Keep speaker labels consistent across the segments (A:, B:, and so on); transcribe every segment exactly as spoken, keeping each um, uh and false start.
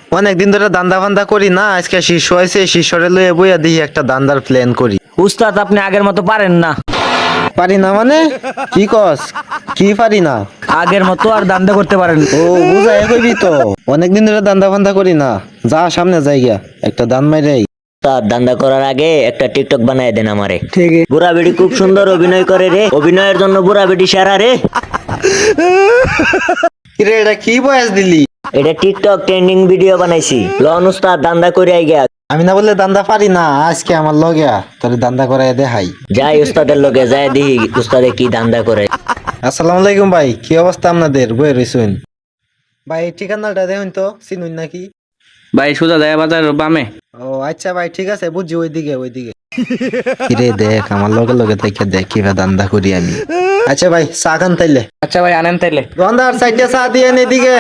A: অনেকদিন ধরে দান্দা ফান্দা করি না, আজকে শিষ্য হয়েছে, শিষ্যরে লয়ে বইয়া দিই একটা দান্দার প্ল্যান করি।
B: উস্তাদ আপনি আগের মতো পারেন না।
A: পারি না মানে কি কস? কি পারি না?
B: আগের মতো আর দান্দা করতে পারেন না।
A: ও বুঝাই কইবি তো, অনেকদিন ধরে দান্দা ফান্দা করি না, যা সামনে যাইগা একটা দান মাইরাই।
C: তার দান্দা করার আগে একটা টিকটক বানায় দেন আমারে।
B: ঠিক আছে।
C: বুড়া বেটি খুব সুন্দর অভিনয় করে রে, অভিনয়ের জন্য বুড়া বেটি সেরা রে।
A: কিরে এটা কি বয়স দিলি?
C: এটা টিকটক ট্রেন্ডিং ভিডিও বানাইছি, লন উস্তাদ দান্দা করে আইগা।
A: আমি না বললে দান্দা পারি না, আজকে আমার লগিয়া তোর দান্দা করাই দেখাই।
C: যাই উস্তাদের লগে যাই দেখি উস্তাদে কি দান্দা করে।
A: আসসালামু আলাইকুম ভাই, কি অবস্থা আপনাদের? বই রইছুন ভাই, ঠিকানাটা দেখুন তো, চিনুন নাকি?
D: ভাই সোজা যায় বাজার বামে।
A: ও আচ্ছা ভাই, ঠিক আছে, বুঝছি, ওইদিকে ওইদিকে। কিরে দেখ আমার লগে লগে থেকে দেখ কিভাবে দান্দা করি আমি। আচ্ছা ভাই, চা খান তাইলে।
D: আচ্ছা ভাই আনেন তাইলে।
A: রন্ধার সাইডে চা দিয়ে এদিকে।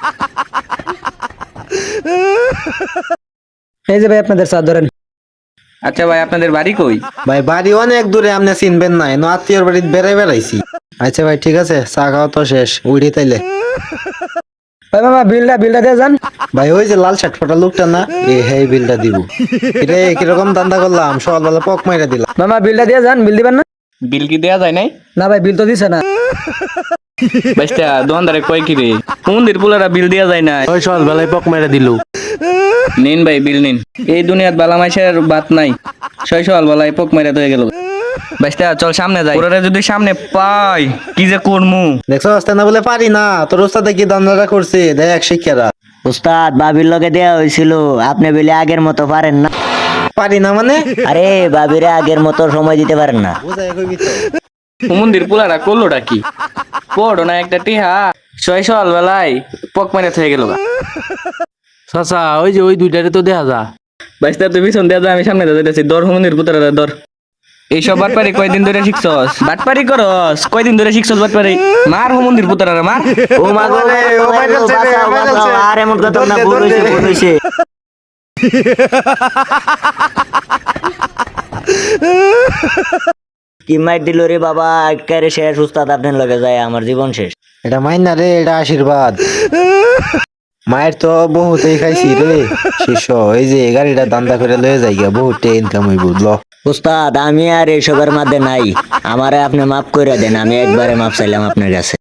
B: এই যে ভাই আপনাদের চা ধরেন।
D: আচ্ছা ভাই আপনাদের বাড়ি কই?
A: ভাই বাড়ি অনেক দূরে, আপনি চিনবেন না, এনো আত্মীয়র বাড়িতে বেড়াই বেড়াইছি। আচ্ছা ভাই ঠিক আছে, চা খাওয়া তো শেষ, উঠি তাইলে।
B: ভাই মামা বিলটা বিলটা দিয়ে যান।
A: ভাই ওই যে লাল শার্ট পরা লোকটা না, এ হেই বিলটা দিব। রে কিরকম দান্দা করলাম, সকালবেলা পক মাইরা দিলাম।
B: মামা বিলটা দিয়ে যান। বিল দিবেন না?
D: বিল কি দেয়া যায় নাই?
B: না ভাই বিল তো দিছে না।
D: বাইস্তা দোকানদারে কয় কি রে, মন্দির পুলারা বিল দেয়া যায় না।
A: ওই সকালবেলায় পক মাইরা দিল।
D: নিন ভাই বিল নিন। এই দুনিয়াত বালা মাইসের বাত নাই, ছয় সকাল বেলায় পোক মেরে হয়ে গেল। বাইস্তা চল সামনে যাই, ওরা যদি সামনে পাই কি যে করমু।
A: দেখছো আসতে না বলে পারি না, তোর ওস্তাদে কি দান্দাটা করছে দেখ শিক্ষারা।
C: উস্তাদ বাবির লগে দেয়া হয়েছিল, আপনি বলে আগের মতো পারেন না।
A: পারি না মানে?
C: আরে বাবিরে আগের মতো সময় দিতে পারেন না।
A: বুঝাই কইবি তো।
D: মন্দির পুলারা করলোটা কি? পড়ো না একটা টিহা, ছয় সকাল বেলায় পোক মেরে হয়ে গেল।
E: চাচা ওই যে ওই দুইটারে তো দেখা যা।
D: বাইস্তা তুই পিছন দেয়া যা, আমি সামনে যাইতেছি। দর মন্দির পুতারা দর। এইসব বাটপারি কয়দিন ধরে শিখছস? বাটপারি করস কয়দিন ধরে শিখছস বাটপারি? মার হো মন্দির পুতারা মার।
C: ও মা গো,
A: ও ভাইরাল ছেলে,
C: বাঁচাও,
A: ভাইরাল
C: বাঁচাও।
A: ছেলে।
C: আর এমন কথা না,
A: দৌড়
C: ভুল
A: দে,
C: হইছে,
A: দৌড়
C: ভুল
A: দে।
C: হইছে। কি মাইর দিল রে বাবা, একেবারে শেষ উস্তাদ আপনার লগে যায়, আমার জীবন শেষ।
A: এটা মাইন না রে, এটা আশীর্বাদ। মায়ের তো বহুতেই খাইছি রে শিষ্য, এই যে গাড়িটা দান্দা করে লয়ে যাই গা, বহুত ইনকাম হইব ল।
C: উস্তাদ আমি আর এসবের মধ্যে নাই, আমারে আপনি মাফ করে দেন, আমি একবারে মাফ চাইলাম আপনার কাছে।